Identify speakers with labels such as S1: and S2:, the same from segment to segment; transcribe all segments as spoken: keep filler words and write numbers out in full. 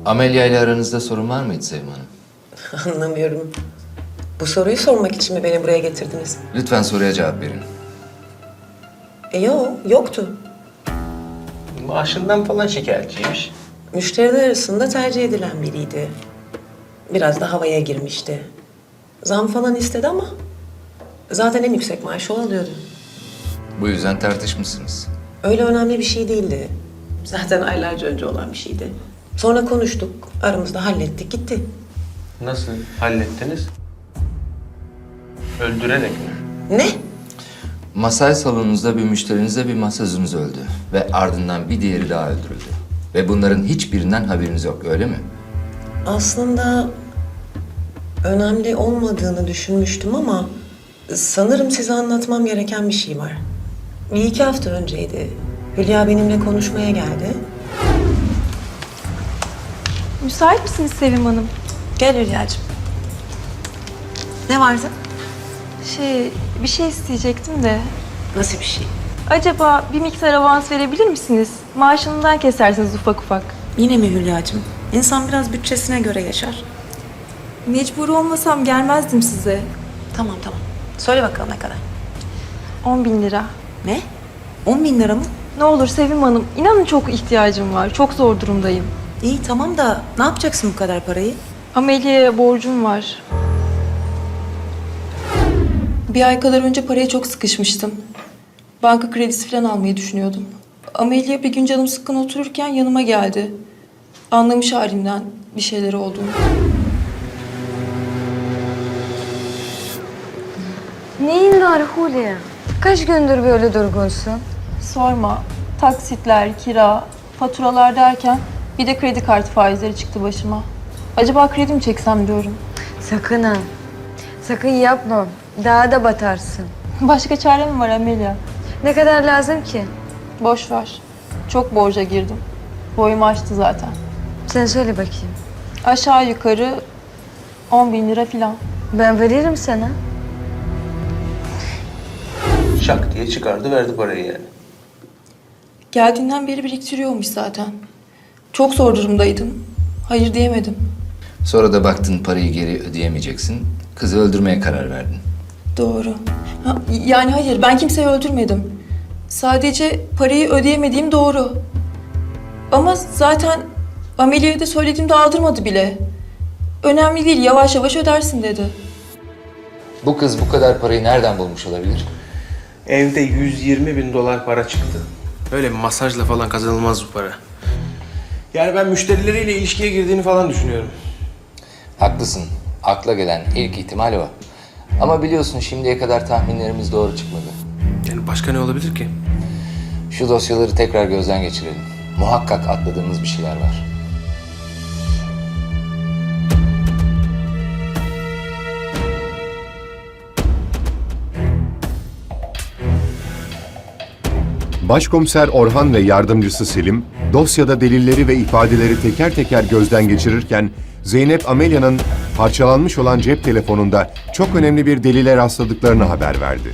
S1: Amelia ile aranızda sorun var mıydı Sevim Hanım?
S2: Anlamıyorum. Bu soruyu sormak için mi beni buraya getirdiniz?
S1: Lütfen soruya cevap verin.
S2: E yok, yoktu.
S3: Maaşından falan şikayetçiymiş.
S2: Müşteriler arasında tercih edilen biriydi. Biraz da havaya girmişti. Zam falan istedi ama zaten en yüksek maaşı o alıyordu.
S1: Bu yüzden tartışmışsınız.
S2: Öyle önemli bir şey değildi. Zaten aylarca önce olan bir şeydi. Sonra konuştuk, aramızda hallettik, gitti.
S3: Nasıl hallettiniz? Öldürerek mi?
S2: Ne?
S1: Masaj salonunuzda bir müşterinizle bir masajınız öldü. Ve ardından bir diğeri daha öldürüldü. Ve bunların hiçbirinden haberiniz yok, öyle mi?
S2: Aslında önemli olmadığını düşünmüştüm ama sanırım size anlatmam gereken bir şey var. Bir iki hafta önceydi. Hülya benimle konuşmaya geldi.
S4: Müsait misiniz Sevim Hanım?
S2: Gel Hülya'cığım. Ne vardı?
S4: Şey, bir şey isteyecektim de.
S2: Nasıl bir şey?
S4: Acaba bir miktar avans verebilir misiniz? Maaşından kesersiniz ufak ufak.
S2: Yine mi Hülya'cığım? İnsan biraz bütçesine göre yaşar.
S4: Mecbur olmasam gelmezdim size.
S2: Tamam tamam. Söyle bakalım ne kadar?
S4: On bin lira.
S2: Ne? On bin lira mı?
S4: Ne olur Sevim Hanım, inanın çok ihtiyacım var. Çok zor durumdayım.
S2: İyi tamam da ne yapacaksın bu kadar parayı?
S4: Amelia'ya borcum var. Bir ay kadar önce paraya çok sıkışmıştım. Banka kredisi falan almayı düşünüyordum. Amelia bir gün canım sıkkın otururken yanıma geldi. Anlamış halimden bir şeyler olduğunu.
S5: Neyin var Hulya? Kaç gündür böyle durgunsun?
S4: Sorma. Taksitler, kira, faturalar derken bir de kredi kartı faizleri çıktı başıma. Acaba kredi mi çeksem diyorum.
S5: Sakın ha. Sakın yapma. Daha da batarsın.
S4: Başka çare mi var Amelia?
S5: Ne kadar lazım ki?
S4: Boş ver. Çok borca girdim. Boyumu aştı zaten.
S5: Sen söyle bakayım.
S4: Aşağı yukarı on bin lira falan.
S5: Ben veririm sana.
S3: Şak diye çıkardı verdi parayı yani.
S4: Geldiğinden beri biriktiriyormuş zaten. Çok zor durumdaydım. Hayır diyemedim.
S1: Sonra da baktın parayı geri ödeyemeyeceksin. Kızı öldürmeye karar verdin.
S4: Doğru. Ha, yani hayır, ben kimseyi öldürmedim. Sadece parayı ödeyemediğim doğru. Ama zaten Amelia'ya da söylediğimde aldırmadı bile. Önemli değil, yavaş yavaş ödersin dedi.
S1: Bu kız bu kadar parayı nereden bulmuş olabilir?
S3: Evde yüz yirmi bin dolar para çıktı. Öyle masajla falan kazanılmaz bu para. Yani ben müşterileriyle ilişkiye girdiğini falan düşünüyorum.
S1: Haklısın. Akla gelen ilk ihtimal o. Ama biliyorsun şimdiye kadar tahminlerimiz doğru çıkmadı.
S3: Yani başka ne olabilir ki?
S1: Şu dosyaları tekrar gözden geçirelim. Muhakkak atladığımız bir şeyler var.
S6: Başkomiser Orhan ve yardımcısı Selim, dosyada delilleri ve ifadeleri teker teker gözden geçirirken, Zeynep Amelia'nın parçalanmış olan cep telefonunda çok önemli bir delile rastladıklarını haber verdi.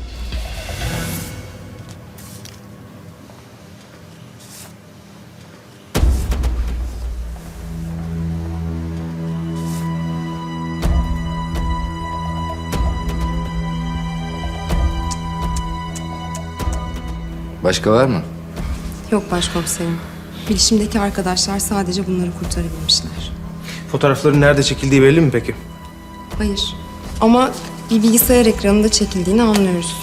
S1: Başka var mı?
S7: Yok başkomiserim. Bilişimdeki arkadaşlar sadece bunları kurtarabilmişler.
S3: Fotoğrafların nerede çekildiği belli mi peki?
S7: Hayır. Ama bir bilgisayar ekranında çekildiğini anlıyoruz.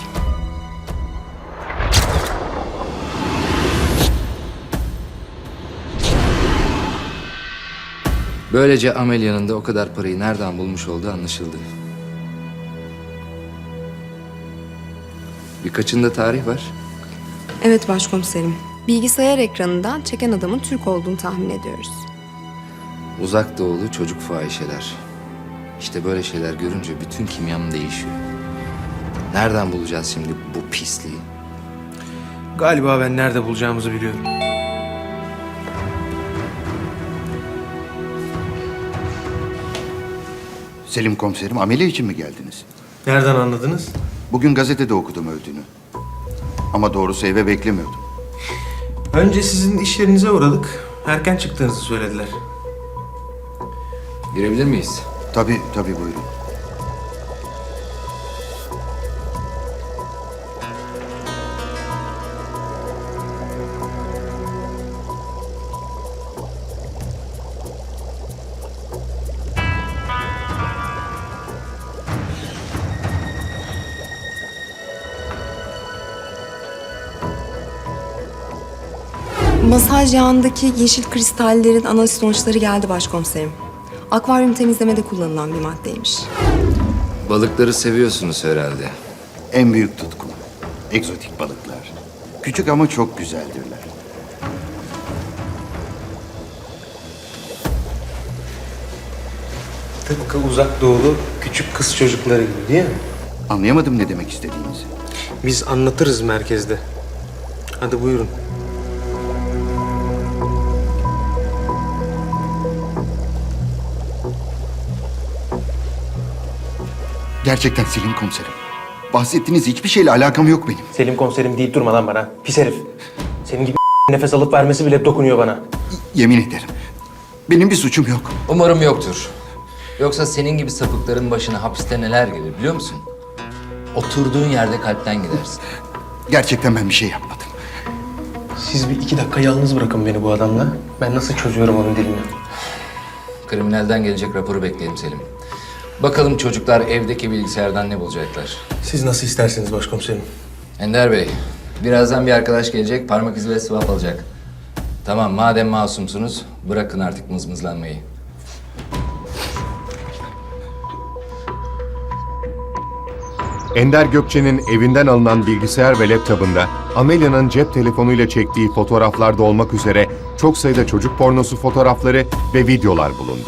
S1: Böylece Amelia'nın da o kadar parayı nereden bulmuş olduğu anlaşıldı. Birkaçında tarih var.
S7: Evet başkomiserim. Bilgisayar ekranından çeken adamın Türk olduğunu tahmin ediyoruz.
S1: Uzak doğulu çocuk fahişeler. İşte böyle şeyler görünce bütün kimyam değişiyor. Nereden bulacağız şimdi bu pisliği?
S3: Galiba ben nerede bulacağımızı biliyorum.
S8: Selim komiserim, ameli için mi geldiniz?
S3: Nereden anladınız?
S8: Bugün gazetede okudum öldüğünü. Ama doğrusu eve beklemiyordum.
S3: Önce sizin iş yerinize uğradık. Erken çıktığınızı söylediler.
S1: Girebilir miyiz?
S8: Tabii tabii buyurun.
S7: Masaj yağındaki yeşil kristallerin analiz sonuçları geldi başkomiserim. Akvaryum temizlemede kullanılan bir maddeymiş.
S1: Balıkları seviyorsunuz herhalde.
S8: En büyük tutkum. Egzotik balıklar. Küçük ama çok güzeldirler.
S3: Tıpkı uzak doğulu küçük kız çocukları gibi değil mi?
S8: Anlayamadım ne demek istediğinizi.
S3: Biz anlatırız merkezde. Hadi buyurun.
S8: Gerçekten Selim komiserim. Bahsettiğiniz hiçbir şeyle alakam yok benim.
S3: Selim komiserim deyip durma lan bana. Pis herif. Senin gibi nefes alıp vermesi bile dokunuyor bana.
S8: Yemin ederim. Benim bir suçum yok.
S1: Umarım yoktur. Yoksa senin gibi sapıkların başına hapiste neler gelir biliyor musun? Oturduğun yerde kalpten gidersin.
S8: Gerçekten ben bir şey yapmadım.
S3: Siz bir iki dakika yalnız bırakın beni bu adamla. Ben nasıl çözüyorum onun dilini?
S1: Kriminalden gelecek raporu bekleyelim Selim. Bakalım çocuklar evdeki bilgisayardan ne bulacaklar.
S3: Siz nasıl isterseniz başkomiserim.
S1: Ender Bey, birazdan bir arkadaş gelecek, parmak izi ve swap alacak. Tamam, madem masumsunuz, bırakın artık mızmızlanmayı.
S6: Ender Gökçe'nin evinden alınan bilgisayar ve laptopunda Amelia'nın cep telefonuyla çektiği fotoğraflarda olmak üzere çok sayıda çocuk pornosu fotoğrafları ve videolar bulundu.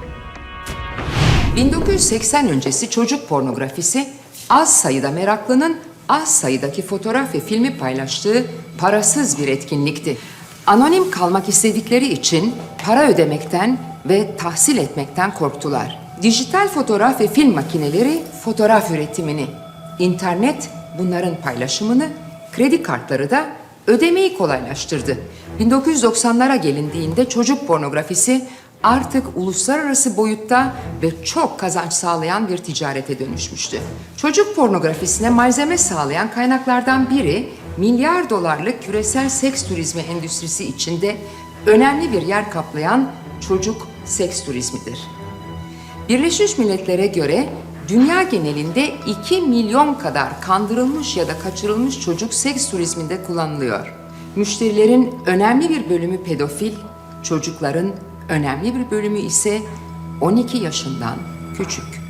S9: bin dokuz yüz seksen öncesi çocuk pornografisi az sayıda meraklının az sayıdaki fotoğraf ve filmi paylaştığı parasız bir etkinlikti. Anonim kalmak istedikleri için para ödemekten ve tahsil etmekten korktular. Dijital fotoğraf ve film makineleri fotoğraf üretimini, internet bunların paylaşımını, kredi kartları da ödemeyi kolaylaştırdı. bin dokuz yüz doksanlara gelindiğinde çocuk pornografisi artık uluslararası boyutta ve çok kazanç sağlayan bir ticarete dönüşmüştü. Çocuk pornografisine malzeme sağlayan kaynaklardan biri milyar dolarlık küresel seks turizmi endüstrisi içinde önemli bir yer kaplayan çocuk seks turizmidir. Birleşmiş Milletler'e göre dünya genelinde iki milyon kadar kandırılmış ya da kaçırılmış çocuk seks turizminde kullanılıyor. Müşterilerin önemli bir bölümü pedofil, çocukların önemli bir bölümü ise on iki yaşından küçük.